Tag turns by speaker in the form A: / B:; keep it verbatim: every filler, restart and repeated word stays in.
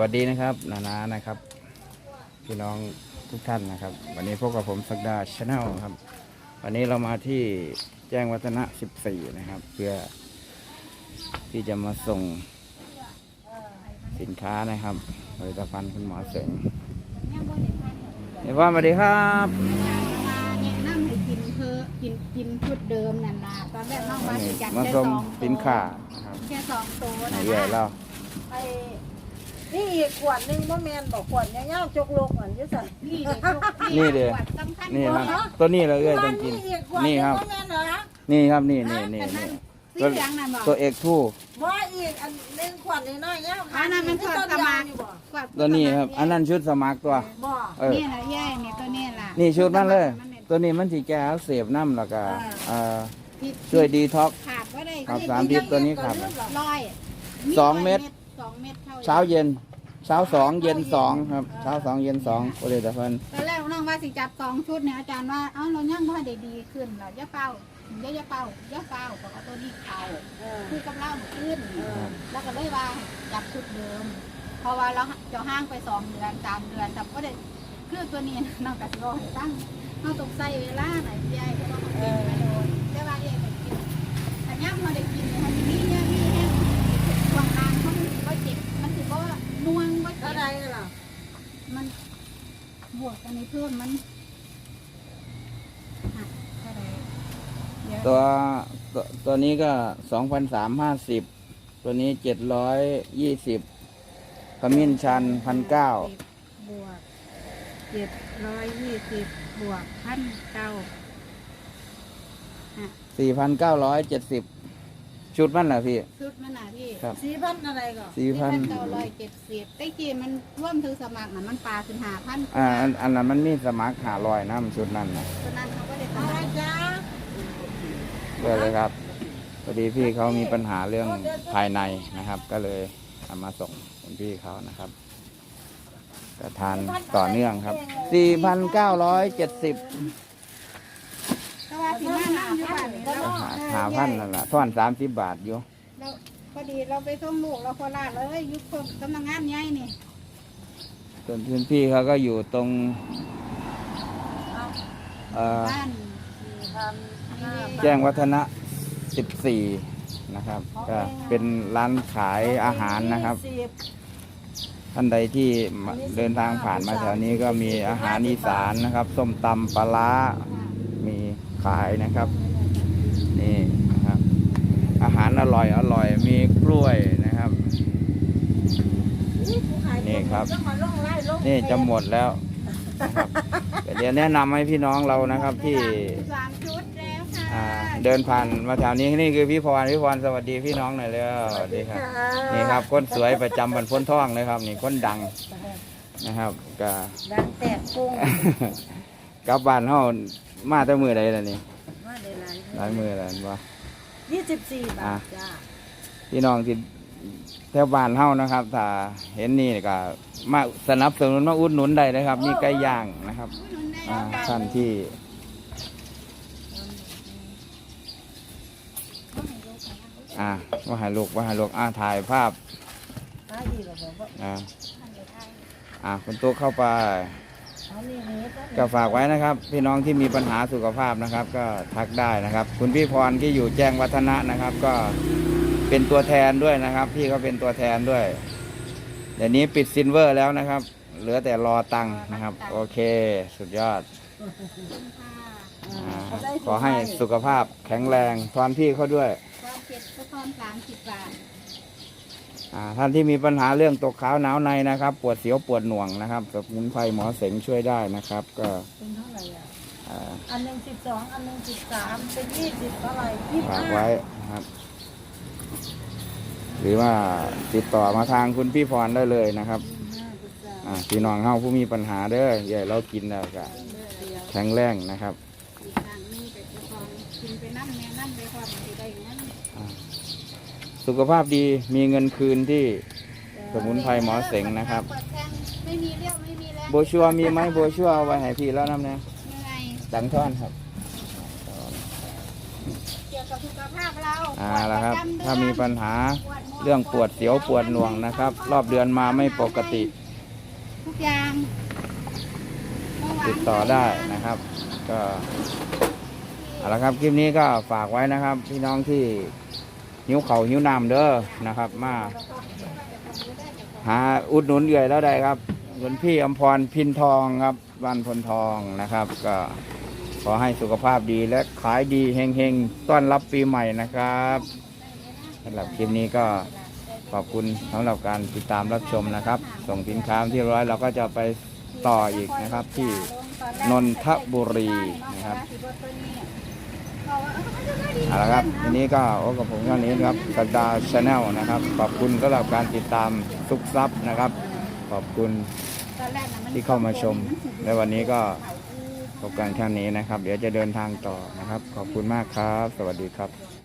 A: สดีนะครับนานานะครับพี่น้องทุกท่านนะครับวันนี้พบกับผมสักดาชาแนลครับวันนี้เรามาที่แจ้งวัฒนะสิบสี่นะครับเพื่อที่จะมาส่งสินค้านะครับผลิตภัณฑ์คุณหมอเสงเดี๋ยวว่าสวัสดีครับ
B: เนี่ยนั่งให้กินเพื่อกินกินชุดเดิมนั่นนะตอนแรกน้องว่าจะจัด
A: มา
B: แค่
A: ส่ง
B: สอง
A: สินค้านะครับ
B: แค่สองตัวนะ
A: เยอะแล้ว
C: ไอ้นี่อีกขวดหนึงบ่แม่นบอกขวดยาวๆจกโลกเหมือนอยู่สั่น
B: นี่เด็ก
A: นี่เด้อ
B: สำคัญ
A: นี่
B: ก
A: ค
B: ว่า
A: รับตัวนี้เราเอ้ยต้องกิน
C: อีกขวดห
A: นี่
C: ง
A: ครับ
C: บ่แม่นเหรอ
A: นี่ครับนี่นี่นี่นี่
B: สีเหลืองนั่นบอก
A: ตัวเอกทู่
C: บ่อีกอันหนึงขวดน้อยๆยาว
B: อันนั้นมันทอดสมัคร
A: ตัวนี้ครับอันนั้นชุดสมัครตัว
C: บ่
A: เออ
B: นี่แหละแย่นี่ตัวนี้ล่ะ
A: นี่ชุดนั่นเลย ตัวนี้มันสีแก้เสพน้ำแล้วก็เอ่อช่วยดีท็อกซ์
B: ขาดก็ได้
A: ครับสามทิศตัวนี้ครับ
B: ร้อย
A: สองเม็ด
B: สองเม็ดท่
A: เช้าเย็นเช้าสองเย็นสองครับเช้าสองเย็นสองโอเลตะเพิ่น
B: ตอนแรกน้องว่าสิจับสองชุดเนี่ยอาจารย์ว่าเอ้าเรายังไม่ได้ดีขึ้นเหรอย่าเป้าย่าย่าเป้าย่าเป้าบอกว่าตัวนี้เขา
C: เออ
B: คือกับเราขึ้น แล้วก็เลยว่าจับชุดเดิม เพราะว่าเราจะห้างไปสองเดือนสามเดือนแต่ก็ได้คือตัวนี้น้องกระสิบให้ตั้งเราต้องใส่เวลาไหนใหญ่เพราะว่าเขาเป็นไปโดนแต่ว่าเองได้กินแต่ย่ำเราได้กินเนี่ยมันมีเนี่ยมีแห้งวางกลางเขามันก็เจ็บมันถือว่าน่วงก็เจ็
C: เท่า
B: บ
C: ใดล่ะ
B: มันบวกกันในเพิ่มมันหักเท่าไหร่เดี๋ยว
A: ตัวตัวตัวนี้ก็สองพันสามห้าสิบตัวนี้เจ็ดร้อยยี่สิบขมิ้นชันพันเก้า
B: บวกเจ็ดร้อยยี่สิบบวกพันเก้า
A: สี่พันเก้าร้อยเจ็ดสิบชุดมันเหรอพี่
B: ชุดมันหนาพี่
A: ครับ
C: สี่พันอะไรก่อน
A: สี่พัน
B: เก้าร้อยเจ็ดสิบแต่กี้มันร่วมถึงสมัครน่ะมันปลาถึงหาพัน
A: อ่าอันอันนั้นมันมีสมัครหาลอยน้ำชุดนั้นนะ
B: ตัวนั้นเขาก็ได้ส
C: อะไร
B: มัคร
C: จ้า
A: เพื่อเลยครับพอดีพี่เขามีปัญหาเรื่องภายในนะครับ ก็เลยเอามาส่งคุณพี่เขานะครับก็ทานต่อเนื่องครับสี่พันเก้าร้อยเจ็ดสิบ
B: แต่ว่าสิมานั่งอยู่บ้านนี่เรา
A: หาหาพันนั่นแหละท่อนสามสิบบาทอยู่
B: เราพอดีเราไปส่งลูกเราโคราชเลยอยุคสำนักงานใหญ่นี่
A: ส่วนคุณพี่เขาก็อยู่ตรงเอ่อ
B: บ้าน
C: สี่พันห้า
A: แจ้งวัฒนะสิบสี่นะครับก็เป็นร้านขายอาหารนะครับ
C: สิบ
A: ท่านใดที่มาเดินทางผ่านมาแถวนี้ก็มีอาหารอีสานนะครับส้มตำปลาร้ามีขายนะครับนี่นะครับ อาหารอร่อยอร่อยมีกล้วยนะครับ นี่ครับ นี่จะหมดแล้วนะครับเดี๋ยวแนะนำให้พี่น้องเรานะครับที่
B: สามชุดแล้วค่ะ
A: อ่าเดินผ่านมาแถวนี้นี่คือพี่พรพี่พรสวัสดีพี่น้องหน่อยเลยสวัสดีครับนี่ครับคนสวยประจำบรรพ้นท่องเลยครับ นี่คนดังนะครับก็
C: ดังแตกปุ้ง
A: กลับบ้านเฮามาแต่มือใดล่ะนี่
C: มาได้หลาย
A: หลายมือแล้วบ่
C: ยี่สิบสี่บาทจ้า
A: พี่น้องที่แถวบ้านเฮานะครับถ้าเห็นนี่ก็มาสนับสนุนมาอุดหนุนได้นะครับ มีไก่ย่างนะครับอ่าท่านที่อ่าว่าให้ลูกว่าให้ลูกอ่าถ่ายภาพ
C: หาอีกแล้วบอกว่า
A: อ่าอ่าคุณตุ๊กเข้าไป
C: เอานี่นี้ก็
A: ก็ฝากไว้นะครับ พี่น้องที่มีปัญหาสุขภาพนะครับ ก็ทักได้นะครับ คุณพี่พรที่อยู่แจ้งวัฒนะนะครับ ก็เป็นตัวแทนด้วยนะครับ พี่เขาเป็นตัวแทนด้วยเดี๋ยวนี้ปิดซิลเวอร์แล้วนะครับ เหลือแต่รอตังค์นะครับ โอเค สุดยอดอาขอให้สุขภาพแข็งแรงทอนพี่เขาด้วย
B: ความเจ็ดก็ทอนสามสิบบาท
A: อ่าท่านที่มีปัญหาเรื่องตกขาวหนาวในนะครับ ปวดเสียวปวดหน่วงนะครับสมุนไพรหมอเสงช่วยได้นะครับ ก็
C: เป็นเท่าไหร่อ่ะ
A: อ่า
C: อันหนึ่งสิบสองอันหนึ่งสิบสามเป็นยี่สิบเท่าไหร่ยี่สิบ
A: ฝาก
C: ห้า
A: ไว้นะครับ หรือว่าติดต่อมาทางคุณพี่พรได้เลยนะครับอ่าพี่น้องเฮาผู้มีปัญหาเด้อใหญ่เรากินแล้วก็แข็งแรงนะครับ
B: อีกทางนี้แต่จะทอนกินไปนั่นแม่นั่นไปความที่ได้อย่างนั้น
A: อ่าสุขภาพดีมีเงินคืนที่สมุนไพรหมอเสงนะครับ
B: เปิดแทงไม่มีเลี้ยวไม่มีแล้ว
A: โบชัวมีไหมโบชัวเอาไว้ให้พี่แล้วน้ำเนี่ย
B: ยังไง
A: ดังท่อนครับ
B: เกี่ยวกับสุขภาพเรา
A: อ่าแล้วครับ
B: ปวดปะจำเดือน
A: ถ้ามีปัญหา
B: ปวดหัว
A: เรื่องปวดเสียวปวดหน่วงนะครับ รอบเดือนมาไม่ปกติ
B: ทุกอย่างเมื่อวาน
A: ติดต่อได้นะครับ ก็เอาละครับคลิปนี้ก็ฝากไว้นะครับ พี่น้องที่หิวเข่าวหิวน้ำเด้อนะครับ มาหาอุดหนุนเอื่อยแล้วได้ครับหลวงพี่อมพรพินทองครับบ้านพลทองนะครับ ก็ขอให้สุขภาพดีและขายดีเฮงๆต้อนรับปีใหม่นะครับสำหรับคลิปนี้ก็ขอบคุณสำหรับการติดตามรับชมนะครับ ส่งสินค้าที่ร้อยเราก็จะไปต่ออีกนะครับที่ นนทบุรีนะครับเอาละครับทีนี้ก็โอ้กับผมเท่านี้นะครับสักดาชาแนลนะครับ ขอบคุณสำหรับการติดตามซุกซับนะครับ ขอบคุณที่เข้ามาชมและวันนี้ก็พบกันแค่นี้นะครับ เดี๋ยวจะเดินทางต่อนะครับ ขอบคุณมากครับ สวัสดีครับ